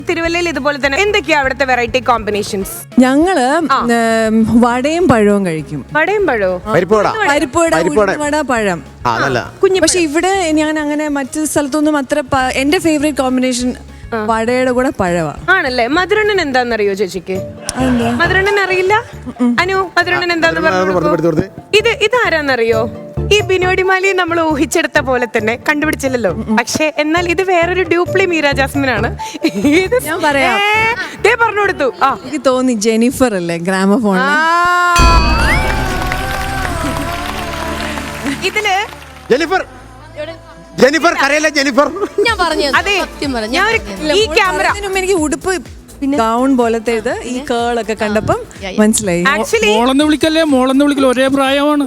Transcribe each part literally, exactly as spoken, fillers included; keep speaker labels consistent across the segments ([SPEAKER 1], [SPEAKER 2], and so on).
[SPEAKER 1] തിരുവല്ലയിൽ ഇതുപോലെ തന്നെ എന്തൊക്കെയാ അവിടുത്തെ വെറൈറ്റി കോമ്പിനേഷൻസ്?
[SPEAKER 2] ഞങ്ങള് വടയും പഴവും കഴിക്കും.
[SPEAKER 1] വടയും പഴവും,
[SPEAKER 2] പരിപ്പുവട, വട, പഴം. പക്ഷെ ഇവിടെ ഞാൻ അങ്ങനെ മറ്റു സ്ഥലത്തൊന്നും അത്ര എന്റെ ഫേവറേറ്റ് കോമ്പിനേഷൻ വടയുടെ കൂടെ പഴവാ.
[SPEAKER 1] ആണല്ലേ? മധുരണ്ണൻ എന്താന്നറിയോ ചേച്ചിക്ക്? മധുരണ്ണൻ അറിയില്ല? അനു, മധുരണ്ണൻ എന്താന്ന് പറഞ്ഞു. ഇത് ഇതാരാന്നറിയോ? ഈ ബിനോടിമാലിയെ നമ്മൾ ഊഹിച്ചെടുത്ത പോലെ തന്നെ കണ്ടുപിടിച്ചില്ലല്ലോ. പക്ഷെ എന്നാൽ ഇത് വേറൊരു ഡ്യൂപ്ലി മീര ജാസ്മിൻ ആണ്.
[SPEAKER 2] ഞാൻ പറയാം,
[SPEAKER 1] പറഞ്ഞു കൊടുത്തു. ആ,
[SPEAKER 2] എനിക്ക് തോന്നി ജെനിഫർ അല്ലേ ഗ്രാമഫോൺ.
[SPEAKER 1] ഇതില്
[SPEAKER 3] ജെനിഫർ ജെനിഫർ കരയല്ല ജെനിഫർ.
[SPEAKER 4] ഞാൻ പറഞ്ഞു
[SPEAKER 1] അതെ, ഈ ക്യാമറ
[SPEAKER 2] എനിക്ക് ഉടുപ്പ് ഗൗൺ പോലത്തെ ഇത് ഈ കേളൊക്കെ കണ്ടപ്പം മനസ്സിലായി.
[SPEAKER 5] മോളെന്ന് വിളിക്കല്ലേ, മോളെന്ന് വിളിക്കല് ഒരേ പ്രായമാണ്.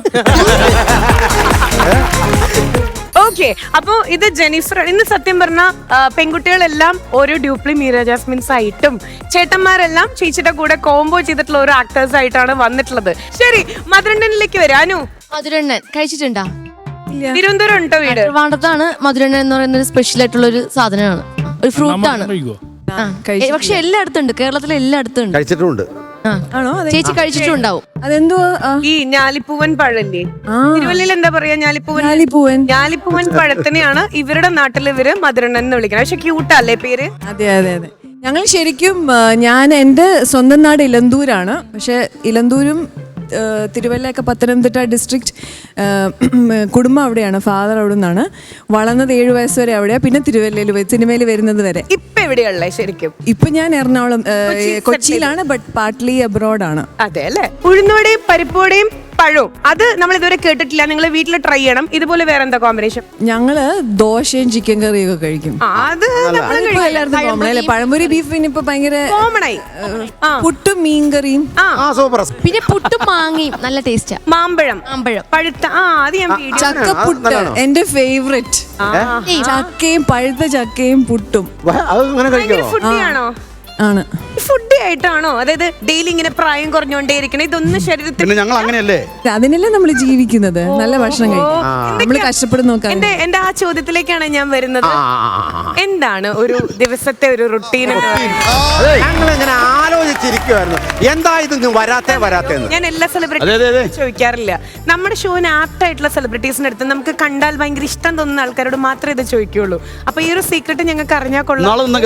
[SPEAKER 1] ഓക്കെ, അപ്പൊ ഇത് ജെനിഫർ. ഇന്ന് സത്യം പറഞ്ഞ പെൺകുട്ടികളെല്ലാം ഓരോ ഡ്യൂപ്ലി മീര ജാസ്മിൻസ് ആയിട്ടും ചേട്ടന്മാരെല്ലാം ചേച്ചിയുടെ കൂടെ കോംബോ ചെയ്തിട്ടുള്ള ഓരോ ആക്ടേഴ്സ് ആയിട്ടാണ് വന്നിട്ടുള്ളത്. ശരി, മധുരണ്ണനിലേക്ക് വരാനു.
[SPEAKER 4] മധുരണ്ണൻ കഴിച്ചിട്ടുണ്ടാ?
[SPEAKER 1] തിരുവനന്തപുരം ഉണ്ടോ വീട്?
[SPEAKER 4] ട്രിവാൻഡ്രത്താണ് മധുരണ്ണൻ എന്ന് പറയുന്ന ഒരു സ്പെഷ്യൽ ആയിട്ടുള്ള ഒരു സാധനമാണ്, ഒരു ഫ്രൂട്ട് ആണ്. പക്ഷെ എല്ലായിടത്തും ഉണ്ട്, കേരളത്തിലെ എല്ലായിടത്തും ഉണ്ട്.
[SPEAKER 3] കഴിച്ചിട്ടുണ്ട്.
[SPEAKER 4] ചേച്ചി കഴിച്ചിട്ടുണ്ടാവും.
[SPEAKER 2] അതെന്തോ
[SPEAKER 1] ഈ ഞാലിപ്പൂവൻ പഴല്ലേ, തിരുവല്ലയിൽ എന്താ പറയാ? ഞാലിപ്പൂവൻ.
[SPEAKER 2] ഞാലിപ്പൂവൻ
[SPEAKER 1] ഞാലിപ്പൂവൻ പഴത്തിനെയാണ് ഇവരുടെ നാട്ടിൽ ഇവര് മധുരണ്ണൻ എന്ന് വിളിക്കുന്നത്. പക്ഷെ ക്യൂട്ടല്ലേ പേര്?
[SPEAKER 2] അതെ അതെ അതെ. ഞങ്ങൾ ശരിക്കും ഞാൻ എൻ്റെ സ്വന്തം നാട് ഇലന്തൂരാണ്. പക്ഷെ ഇലന്തൂരും തിരുവല്ലയൊക്കെ പത്തനംതിട്ട ഡിസ്ട്രിക്ട് കുടുംബം അവിടെയാണ്. ഫാദർ അവിടെ നിന്നാണ്. വളർന്നത് ഏഴു വയസ്സ് വരെ അവിടെയാണ്. പിന്നെ തിരുവല്ലയിൽ സിനിമയിൽ വരുന്നത് വരെ.
[SPEAKER 1] ഇപ്പൊ എവിടെയുള്ളേ ശരിക്കും?
[SPEAKER 2] ഇപ്പൊ ഞാൻ എറണാകുളം കൊച്ചിയിലാണ്, ബട്ട് പാർട്ട്ലി അബ്രോഡാണ്.
[SPEAKER 1] അതെ അല്ലേ? ഉഴുന്നുവടയും പരിപ്പുവടയും പഴവും അത് നമ്മൾ ഇതുവരെ കേട്ടിട്ടില്ല. നിങ്ങൾ വീട്ടിൽ ട്രൈ ചെയ്യണം. ഇതുപോലെ വേറെ എന്താ കോമ്പിനേഷൻ?
[SPEAKER 2] ഞങ്ങള് ദോശയും ചിക്കൻ കറിയും ഒക്കെ കഴിക്കും.
[SPEAKER 1] അത്
[SPEAKER 2] പഴംപൊരി ബീഫ് ഇപ്പൊ ഭയങ്കര
[SPEAKER 1] കോമൺ ആയി.
[SPEAKER 2] പുട്ടും മീൻകറിയും,
[SPEAKER 4] പിന്നെ പുട്ടും മാങ്ങയും നല്ല ടേസ്റ്റാ.
[SPEAKER 1] മാമ്പഴം,
[SPEAKER 4] മാമ്പഴം
[SPEAKER 1] പഴുത്ത. ആ, അത് ഞാൻ
[SPEAKER 2] ചക്കപ്പുട്ട് എന്റെ ഫേവറേറ്റ്. ചക്കയും പഴുത്ത ചക്കയും പുട്ടും.
[SPEAKER 1] ഫുഡിയാണോ?
[SPEAKER 2] ആണ്.
[SPEAKER 1] ഫുഡി ആയിട്ടാണോ? അതായത് ഡെയിലി ഇങ്ങനെ പ്രായം കുറഞ്ഞോണ്ടേ ഇരിക്കണം, ഇതൊന്നും ശരീരത്തിൽ.
[SPEAKER 3] ഞങ്ങൾ അങ്ങനെയല്ലേ,
[SPEAKER 2] അതിനല്ലേ നമ്മൾ ജീവിക്കുന്നത്. നല്ല ഭക്ഷണം കഴിക്കും, നമ്മൾ കഷ്ടപ്പെടുന്ന നോക്കാം.
[SPEAKER 1] എന്റെ എന്റെ ആ ചോദ്യത്തിലേക്കാണ് ഞാൻ വരുന്നത്. എന്താണ് ഒരു ദിവസത്തെ ഒരു റുട്ടീൻ?
[SPEAKER 3] ഞങ്ങൾ ഇങ്ങനെ ആലോചിച്ചിരിക്കുവായിരുന്നു, എന്താ ഇത് വരാത്തെ വരാത്തെ.
[SPEAKER 1] ഞാൻ എല്ലാ സെലിബ്രിറ്റീസും ചോദിക്കാറില്ല. നമ്മുടെ ഷോന് ആപ്റ്റ് ആയിട്ടുള്ള സെലിബ്രിറ്റീസിന്റെ അടുത്ത് നമുക്ക് കണ്ടാൽ ഭയങ്കര ഇഷ്ടം തോന്നുന്ന ആൾക്കാരോട് മാത്രമേ ഇത് ചോദിക്കുള്ളൂ. അപ്പൊ ഈ ഒരു സീക്രട്ട് ഞങ്ങൾക്ക് അറിഞ്ഞാൽ കൊള്ളാം.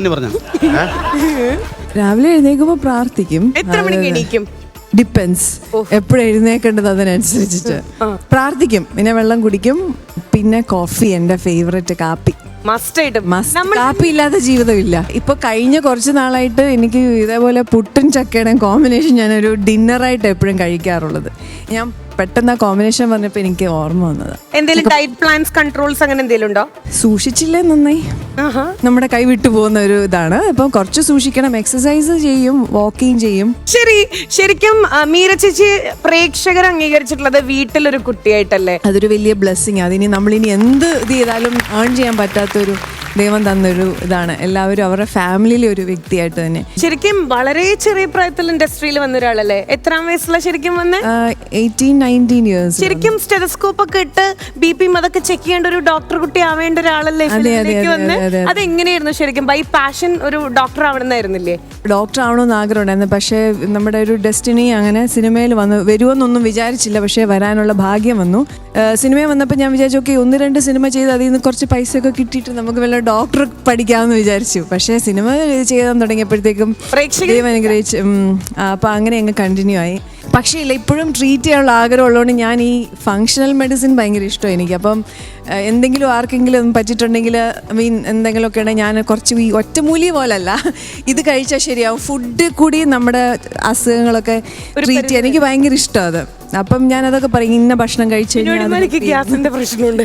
[SPEAKER 2] രാവിലെ എഴുന്നേക്കുമ്പോ പ്രാർത്ഥിക്കും.
[SPEAKER 1] എത്ര മണിക്ക് എണീക്കും?
[SPEAKER 2] ഡിപ്പെൻസ്, എപ്പോഴും എഴുന്നേക്കേണ്ടത് അതിനനുസരിച്ചിട്ട് പ്രാർത്ഥിക്കും. പിന്നെ വെള്ളം കുടിക്കും, പിന്നെ കോഫി എന്റെ ഫേവറേറ്റ്. കാപ്പി
[SPEAKER 1] മസ്റ്റ്.
[SPEAKER 2] കാപ്പി ഇല്ലാത്ത ജീവിതമില്ല. ഇപ്പൊ കഴിഞ്ഞ കുറച്ച് നാളായിട്ട് എനിക്ക് ഇതേപോലെ പുട്ടും ചക്കയുടെയും കോമ്പിനേഷൻ ഞാനൊരു ഡിന്നറായിട്ട് എപ്പോഴും കഴിക്കാറുള്ളത്. ഞാൻ പെട്ടെന്ന് ആ കോമ്പിനേഷൻ പറഞ്ഞപ്പോ എനിക്ക് ഓർമ്മ വന്നത്.
[SPEAKER 1] എന്തെങ്കിലും ഡയറ്റ് പ്ലാൻസ്, കൺട്രോൾസ് അങ്ങനെ എന്തെങ്കിലും ഉണ്ടോ?
[SPEAKER 2] സൂക്ഷിച്ചില്ലേ നന്നായി നമ്മുടെ കൈ വിട്ടു പോകുന്ന ഒരു ഇതാണ്. അപ്പൊ കുറച്ച് സൂക്ഷിക്കണം. എക്സസൈസ് ചെയ്യും, വാക്കിങ് ചെയ്യും.
[SPEAKER 1] ശരി, ശരിക്കും മീര ചേച്ചി പ്രേക്ഷകർ അംഗീകരിച്ചിട്ടുള്ളത് വീട്ടിലൊരു കുട്ടിയായിട്ടല്ലേ?
[SPEAKER 2] അതൊരു വലിയ ബ്ലെസ്സിങ്. അതിനി നമ്മളിനി എന്ത് ഇത് ചെയ്താലും ഏൺ ചെയ്യാൻ പറ്റാത്തൊരു ദൈവം തന്നൊരു ഇതാണ്. എല്ലാവരും അവരുടെ ഫാമിലിയിലെ ഒരു വ്യക്തിയായിട്ട് തന്നെ.
[SPEAKER 1] ശരിക്കും വളരെ ചെറിയ പ്രായത്തിൽ ഇൻഡസ്ട്രിയിൽ വന്ന ഒരാളല്ലേ? എത്രാം വയസ്സില ശരിക്കും വന്ന്?
[SPEAKER 2] Eighteen nineteen years.
[SPEAKER 1] ശരിക്കും സ്റ്റെതസ്കോപ്പ് ഒക്കെ ഇട്ട് ബി പി അതൊക്കെ ചെക്ക് ചെയ്യേണ്ട ഒരു ഡോക്ടർ കുട്ടി ആവേണ്ട ഒരാളല്ലേ വന്ന്? അതെങ്ങനെയായിരുന്നു ശരിക്കും? ബൈ പാഷൻ ഒരു ഡോക്ടർ ആവണമെന്നായിരുന്നില്ലേ?
[SPEAKER 2] ഡോക്ടർ ആവണമെന്ന് ആഗ്രഹമുണ്ടായിരുന്നു. പക്ഷേ നമ്മുടെ ഒരു ഡെസ്റ്റിനി അങ്ങനെ സിനിമയിൽ വന്ന് വരുമെന്നൊന്നും വിചാരിച്ചില്ല. പക്ഷേ വരാനുള്ള ഭാഗ്യം വന്നു. സിനിമയിൽ വന്നപ്പോൾ ഞാൻ വിചാരിച്ചു, ഓക്കെ ഒന്ന് രണ്ട് സിനിമ ചെയ്ത് അതിൽ നിന്ന് കുറച്ച് പൈസയൊക്കെ കിട്ടിയിട്ട് നമുക്ക് വല്ല ഡോക്ടർ പഠിക്കാമെന്ന് വിചാരിച്ചു. പക്ഷേ സിനിമ ചെയ്യാൻ തുടങ്ങിയപ്പോഴത്തേക്കും ദൈവം അനുഗ്രഹിച്ചു. അപ്പം അങ്ങനെ അങ്ങ് കണ്ടിന്യൂ ആയി. പക്ഷേ ഇല്ല, ഇപ്പോഴും ട്രീറ്റ് ചെയ്യാനുള്ള ആഗ്രഹം ഉള്ളതുകൊണ്ട് ഞാൻ ഈ ഫങ്ഷണൽ മെഡിസിൻ ഭയങ്കര ഇഷ്ടമാണ് എനിക്ക്. അപ്പം എന്തെങ്കിലും ആർക്കെങ്കിലും പറ്റിയിട്ടുണ്ടെങ്കിൽ ഐ മീൻ എന്തെങ്കിലുമൊക്കെ ഉണ്ടെങ്കിൽ ഞാൻ കുറച്ച് ഈ ഒറ്റമൂലി പോലല്ല, ഇത് കഴിച്ചാൽ ശരിയാവും. ഫുഡ് കൂടി നമ്മുടെ അസുഖങ്ങളൊക്കെ ട്രീറ്റ് ചെയ്യാൻ എനിക്ക് ഭയങ്കര ഇഷ്ടം അത്. അപ്പം ഞാൻ അതൊക്കെ പറയും, ഇന്ന ഭക്ഷണം കഴിച്ചു
[SPEAKER 1] ഗ്യാസിന്റെ പ്രശ്നം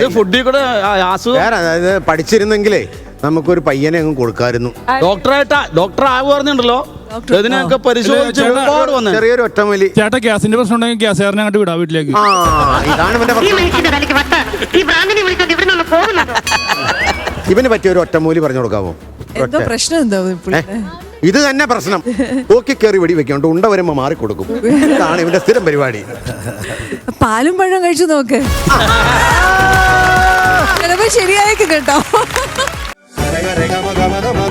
[SPEAKER 3] പഠിച്ചിരുന്നെങ്കിലേ നമുക്കൊരു പയ്യനെ അങ്ങ് കൊടുക്കായിരുന്നു.
[SPEAKER 5] ഡോക്ടറായിട്ടാ ഡോക്ടർ ആവുകയായിരുന്നുണ്ടല്ലോ,
[SPEAKER 3] ചെറിയൊരു ഒറ്റമൂലി.
[SPEAKER 5] ചേട്ടാ ഗ്യാസിന്റെ പ്രശ്നം ഉണ്ടെങ്കിൽ ഗ്യാസുകാരനെ അങ്ങോട്ട് വിടാം വീട്ടിലേക്ക്.
[SPEAKER 3] ഇവന് പറ്റിയ ഒരു ഒറ്റമൂലി പറഞ്ഞു കൊടുക്കാമോ?
[SPEAKER 2] എന്തോ പ്രശ്നം എന്താ?
[SPEAKER 3] ഇത് തന്നെ പ്രശ്നം. ഓക്കി കയറി വെടി വെക്കോണ്ട് ഉണ്ട വരുമ്പോ മാറിക്കൊടുക്കും. ഇതാണ് ഇവന്റെ സ്ഥിരം പരിപാടി.
[SPEAKER 2] പാലും പഴം കഴിച്ചു നോക്ക്, ചിലപ്പോ ശരിയായേക്കും കേട്ടോ.